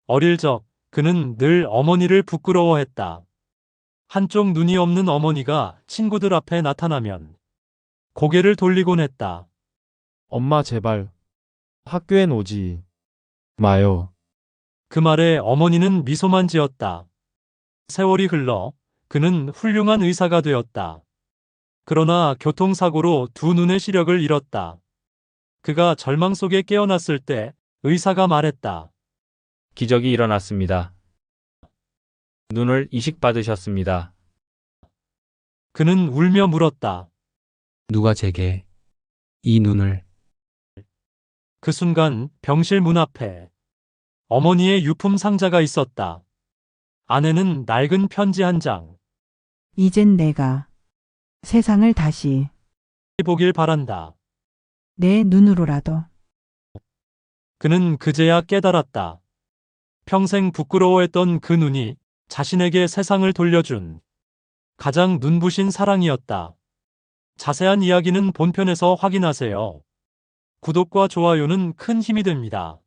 어릴 적 그는 늘 어머니를 부끄러워했다. 한쪽 눈이 없는 어머니가 친구들 앞에 나타나면 고개를 돌리곤 했다. 엄마 제발 학교엔 오지 마요. 그 말에 어머니는 미소만 지었다. 세월이 흘러 그는 훌륭한 의사가 되었다. 그러나 교통사고로 두 눈의 시력을 잃었다. 그가 절망 속에 깨어났을 때 의사가 말했다. 기적이 일어났습니다. 눈을 이식받으셨습니다. 그는 울며 물었다. 누가 제게 이 눈을. 그 순간 병실 문 앞에 어머니의 유품 상자가 있었다. 안에는 낡은 편지 한 장. 이젠 내가 세상을 다시 보길 바란다. 내 눈으로라도. 그는 그제야 깨달았다. 평생 부끄러워했던 그 눈이 자신에게 세상을 돌려준 가장 눈부신 사랑이었다. 자세한 이야기는 본편에서 확인하세요. 구독과 좋아요는 큰 힘이 됩니다.